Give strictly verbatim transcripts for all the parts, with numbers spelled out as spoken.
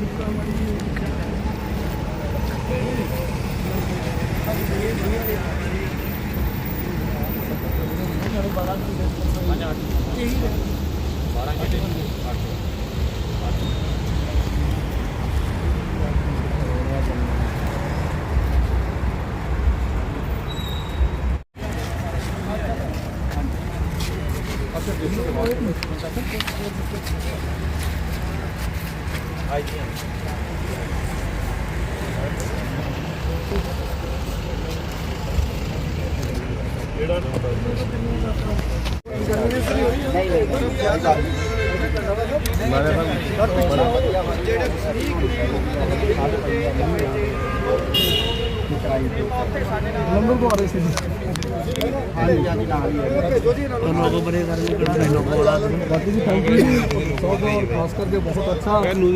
Number को आ रहे थे बाकी जी थैंक यू सौ और खास करके बहुत अच्छा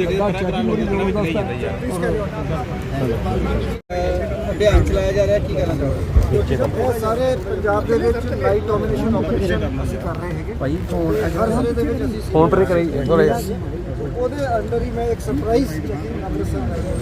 ਅਭਿਆਨ ਚਲਾਇਆ ਜਾ ਰਿਹਾ, ਕੀ ਕਹਿਣਾ ਚਾਹੋਗੇ? ਸਾਰੇ ਪੰਜਾਬ ਦੇ ਵਿੱਚ ਲਾਈਟ ਡੋਮੀਨੇਸ਼ਨ ਆਪਰੇਸ਼ਨ ਅਸੀਂ ਕਰ ਰਹੇ ਹੈਗੇ ਭਾਈ। ਫੋਨ ਹਰ ਜ਼ਿਲ੍ਹੇ ਦੇ ਵਿੱਚ ਅਸੀਂ फोन पर करी ਉਹਦੇ ਅੰਡਰ ਹੀ ਮੈਂ ਇੱਕ ਸਰਪ੍ਰਾਈਜ਼ ਅੰਮ੍ਰਿਤਸਰ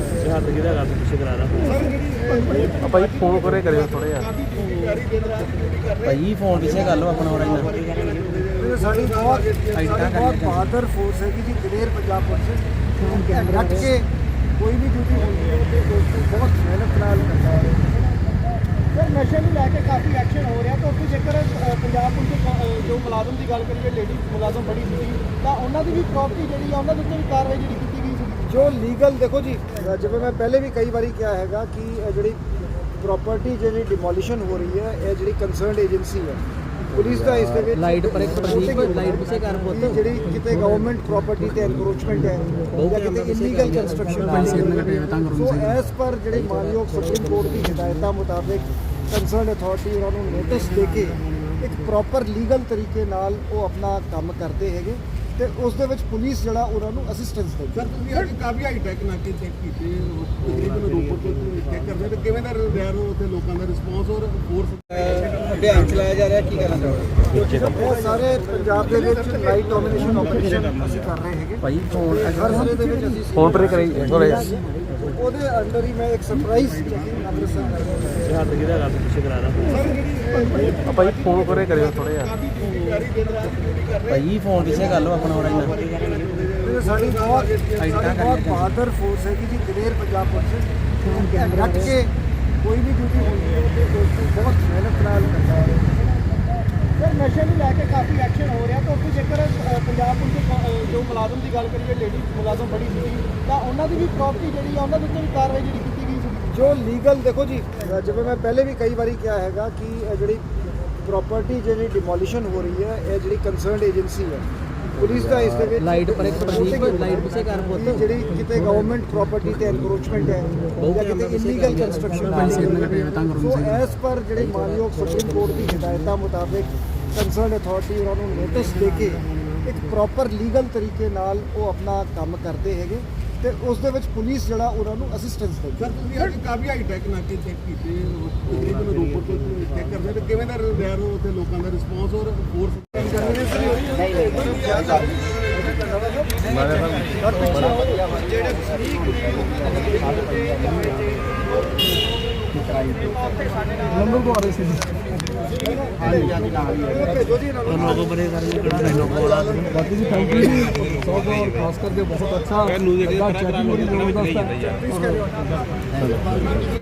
ਭਾਈ ਫੋਨ ਕਰੇ ਕਰਿਓ ਥੋੜਾ ਜਿਹਾ ਭਾਈ ਫੋਨ ਪਿੱਛੇ ਕਰ ਲਓ ਆਪਣਾ ਹੋਣਾ ਇਹ ਸਾਡੀ ਬਹੁਤ ਬਹੁਤ ਬਹਾਦਰ ਫੋਰਸ ਹੈ ਕਿ ਜੀ ਦਲੇਰ ਪੰਜਾਬ ਪੁਲਿਸ ਡਟ ਕੇ ਕੋਈ ਵੀ ਡਿਊਟੀ ਹੁੰਦੀ ਹੈ ਤੇ ਬਹੁਤ ਮਿਹਨਤ ਨਾਲ ਕਰਦਾ ਹੈ। ਸਰ ਨਸ਼ੇ ਨੂੰ ਲੈ ਕੇ ਕਾਫੀ ਐਕਸ਼ਨ ਹੋ ਰਿਹਾ, ਤਾਂ ਉੱਥੇ ਜੇਕਰ ਪੰਜਾਬ ਪੁਲਿਸ ਜੋ ਮੁਲਾਜ਼ਮ ਦੀ ਗੱਲ ਕਰੀਏ, ਲੇਡੀ ਮੁਲਾਜ਼ਮ ਬੜੀ ਸੀ ਤਾਂ ਉਹਨਾਂ ਦੀ ਵੀ ਪ੍ਰਾਪਰਟੀ ਜਿਹੜੀ ਆ ਉਹਨਾਂ ਦੇ ਉੱਤੇ ਵੀ ਕਾਰਵਾਈ ਜਿਹੜੀ ਕੀਤੀ ਗਈ ਸੀ ਜੋ ਲੀਗਲ। ਦੇਖੋ ਜੀ ਜਿਵੇਂ ਮੈਂ ਪਹਿਲੇ ਵੀ ਕਈ ਵਾਰੀ ਕਿਹਾ ਹੈਗਾ ਕਿ ਜਿਹੜੀ ਪ੍ਰਾਪਰਟੀ ਜਿਹੜੀ ਡਿਮੋਲੀਸ਼ਨ ਹੋ ਰਹੀ ਹੈ ਇਹ ਜਿਹੜੀ ਕੰਸਰਨਡ ਏਜੰਸੀ ਹੈ ਪੁਲਿਸ ਦਾ ਇਸ ਦੇ ਵਿੱਚ ਲਾਈਟ ਪਰ ਇੱਕ ਪ੍ਰਦੀਪ ਲਾਈਟ ਪਿੱਛੇ ਕਰ ਪੁੱਤ ਜਿਹੜੀ ਕਿਤੇ ਗਵਰਨਮੈਂਟ ਪ੍ਰਾਪਰਟੀ ਤੇ ਐਨਕਰੋਚਮੈਂਟ ਹੈ ਜਾਂ ਕਿਤੇ ਇਲੀਗਲ ਕੰਸਟਰਕਸ਼ਨ ਹੈ ਸੋ ਐਸ ਪਰ ਜਿਹੜੇ ਮਾਨਯੋਗ ਸੁਪਰੀਮ ਕੋਰਟ ਦੀ ਹਦਾਇਤਾਂ ਮੁਤਾਬਿਕ ਕੰਸਰਨਡ ਅਥਾਰਟੀ ਉਹਨਾਂ ਨੂੰ ਨੋਟਿਸ ਦੇ ਕੇ ਇੱਕ ਪ੍ਰੋਪਰ ਲੀਗਲ ਤਰੀਕੇ ਨਾਲ ਉਹ ਆਪਣਾ ਕੰਮ ਕਰਦੇ ਹੈਗੇ ਤੇ ਉਸ ਦੇ ਵਿੱਚ ਪੁਲਿਸ ਜਿਹੜਾ ਉਹਨਾਂ ਨੂੰ ਅਸਿਸਟੈਂਸ ਦਿੰਦੀ। ਸਰ ਤੁਸੀਂ ਅੱਜ ਕਾਫੀ ਹਾਈ ਟੈਕ ਨਾਕੇ ਚੈੱਕ ਕੀਤੇ ਤਕਰੀਬਨ ਰੋਪੜ ਤੋਂ ਚੈੱਕ ਕਰਦੇ ਤੇ ਕਿਵੇਂ ਦਾ ਰਿਹਾ ਉੱਥੇ ਲੋਕਾਂ ਦਾ ਰਿਸਪੌਂਸ ਔਰ ਫੋਰਸ ਅਭਿਆਨ ਚਲਾਇਆ ਜਾ ਰਿਹਾ, ਕੀ ਕਹਿਣਾ ਚਾਹੋਗੇ? ਸਾਰੇ ਪੰਜਾਬ ਦੇ ਵਿੱਚ ਲਾਈਟ ਡੋਮੀਨੇਸ਼ਨ ਆਪਰੇਸ਼ਨ ਅਸੀਂ ਕਰ ਰਹੇ ਹੈਗੇ ਭਾਈ ਫੋਨ ਹਰ ਜ਼ਿਲ੍ਹੇ ਦੇ ਵਿੱਚ ਅਸੀਂ फोन पर करी थोड़ा जिहा ਉਹਦੇ ਅੰਡਰ ਹੀ ਮੈਂ ਇੱਕ ਸਰਪ੍ਰਾਈਜ਼ ਅੰਮ੍ਰਿਤਸਰ ਭਾਈ ਫੋਨ ਕਰੇ ਕਰਿਓ ਥੋੜਾ ਜਿਹਾ ਭਾਈ ਫੋਨ ਪਿੱਛੇ ਕਰ ਲਓ ਆਪਣਾ ਹੋਣਾ ਇਹ ਸਾਡੀ ਬਹੁਤ ਸਾਡੀ ਬਹੁਤ ਬਹਾਦਰ ਫੋਰਸ ਹੈ ਕਿ ਜੀ ਦਲੇਰ ਪੰਜਾਬ ਪੁਲਿਸ ਡਟ ਕੇ ਕੋਈ ਵੀ ਡਿਊਟੀ ਹੁੰਦੀ ਹੈ ਤੇ ਬਹੁਤ ਮਿਹਨਤ ਨਾਲ ਕਰਦਾ ਹੈ। ਸਰ ਨਸ਼ੇ ਨੂੰ ਲੈ ਕੇ ਕਾਫੀ ਐਕਸ਼ਨ ਹੋ ਰਿਹਾ, ਤਾਂ ਉੱਥੇ ਜੇਕਰ ਪੰਜਾਬ ਪੁਲਿਸ ਜੋ ਮੁਲਾਜ਼ਮ ਦੀ ਗੱਲ ਕਰੀਏ, ਲੇਡੀ ਮੁਲਾਜ਼ਮ ਬੜੀ ਸੀ ਤਾਂ ਉਹਨਾਂ ਦੀ ਵੀ ਪ੍ਰਾਪਰਟੀ ਜਿਹੜੀ ਆ ਉਹਨਾਂ ਦੇ ਉੱਤੇ ਵੀ ਕਾਰਵਾਈ ਜਿਹੜੀ ਕੀਤੀ ਗਈ ਸੀ ਜੋ ਲੀਗਲ। ਦੇਖੋ ਜੀ ਜਿਵੇਂ ਮੈਂ ਪਹਿਲੇ ਵੀ ਕਈ ਵਾਰੀ ਕਿਹਾ ਹੈਗਾ ਕਿ ਜਿਹੜੀ ਪ੍ਰਾਪਰਟੀ ਜਿਹੜੀ ਡਿਮੋਲੀਸ਼ਨ ਹੋ ਰਹੀ ਹੈ ਇਹ ਜਿਹੜੀ ਕੰਸਰਨਡ ਏਜੰਸੀ ਹੈ ਪੁਲਿਸ ਦਾ ਇਸ ਦੇ ਵਿੱਚ ਲਾਈਟ ਪਰ ਇੱਕ ਪ੍ਰਦੀਪ ਲਾਈਟ ਪਿੱਛੇ ਕਰ ਪੁੱਤ ਜਿਹੜੀ ਕਿਤੇ ਗਵਰਨਮੈਂਟ ਪ੍ਰਾਪਰਟੀ ਤੇ ਐਨਕਰੋਚਮੈਂਟ ਹੈ ਜਾਂ ਕਿਤੇ ਇਲੀਗਲ ਕੰਸਟਰਕਸ਼ਨ ਹੈ ਸੋ ਐਸ ਪਰ ਜਿਹੜੇ ਮਾਨਯੋਗ ਸੁਪਰੀਮ ਕੋਰਟ ਦੀ ਹਦਾਇਤਾਂ ਮੁਤਾਬਿਕ ਕੰਸਰਨਡ ਅਥਾਰਟੀ ਉਹਨਾਂ ਨੂੰ ਨੋਟਿਸ ਦੇ ਕੇ ਇੱਕ ਪ੍ਰੋਪਰ ਲੀਗਲ ਤਰੀਕੇ ਨਾਲ ਉਹ ਆਪਣਾ ਕੰਮ ਕਰਦੇ ਹੈਗੇ ਤੇ ਉਸ ਦੇ ਵਿੱਚ ਪੁਲਿਸ ਜਿਹੜਾ ਉਹਨਾਂ ਨੂੰ ਅਸਿਸਟੈਂਸ ਦਿੰਦੀ। ਸਰ ਤੁਸੀਂ ਅੱਜ ਕਾਫੀ ਹਾਈ ਟੈਕ ਨਾਕੇ ਚੈੱਕ ਕੀਤੇ ਤਕਰੀਬਨ ਰੋਪੜ ਤੋਂ ਚੈੱਕ ਕਰਦੇ ਤੇ ਕਿਵੇਂ ਦਾ ਰਿਹਾ ਉੱਥੇ ਲੋਕਾਂ ਦਾ ਰਿਸਪੌਂਸ ਔਰ ਫੋਰਸ नंबर को आ रहे थे बाकी जी थैंक यू सौ और खास करके बहुत अच्छा